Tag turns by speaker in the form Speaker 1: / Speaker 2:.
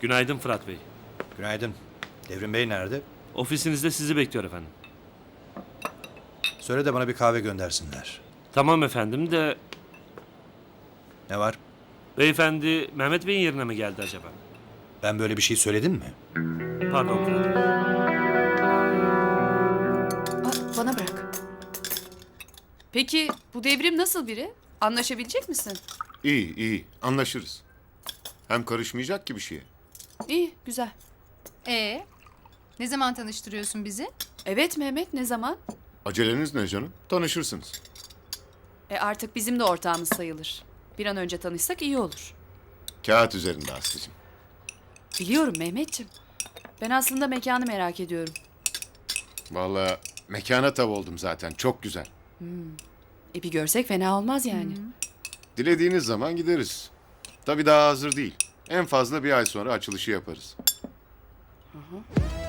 Speaker 1: Günaydın Fırat Bey.
Speaker 2: Günaydın. Devrim Bey nerede?
Speaker 1: Ofisinizde sizi bekliyor efendim.
Speaker 2: Söyle de bana bir kahve göndersinler.
Speaker 1: Tamam efendim de
Speaker 2: Ne var?
Speaker 1: beyefendi Mehmet Bey'in yerine mi geldi acaba?
Speaker 2: Ben böyle bir şey söyledim mi?
Speaker 1: Pardon Fırat Bey.
Speaker 3: Bana bırak. Peki bu Devrim nasıl biri? Anlaşabilecek misin?
Speaker 4: İyi, iyi. Anlaşırız. Hem karışmayacak ki bir şeye.
Speaker 3: İyi, güzel.
Speaker 5: Ne zaman tanıştırıyorsun bizi?
Speaker 3: Evet Mehmet, ne zaman?
Speaker 4: Aceleniz ne canım? Tanışırsınız.
Speaker 3: Artık bizim de ortağımız sayılır. Bir an önce tanışsak iyi olur.
Speaker 4: Kağıt üzerinde Aslı'cığım.
Speaker 3: Biliyorum Mehmetciğim. Ben aslında mekanı merak ediyorum.
Speaker 4: Vallahi mekana tav oldum zaten. Çok güzel.
Speaker 3: Bir görsek fena olmaz yani.
Speaker 4: Dilediğiniz zaman gideriz. Tabii daha hazır değil. En fazla bir ay sonra açılışı yaparız.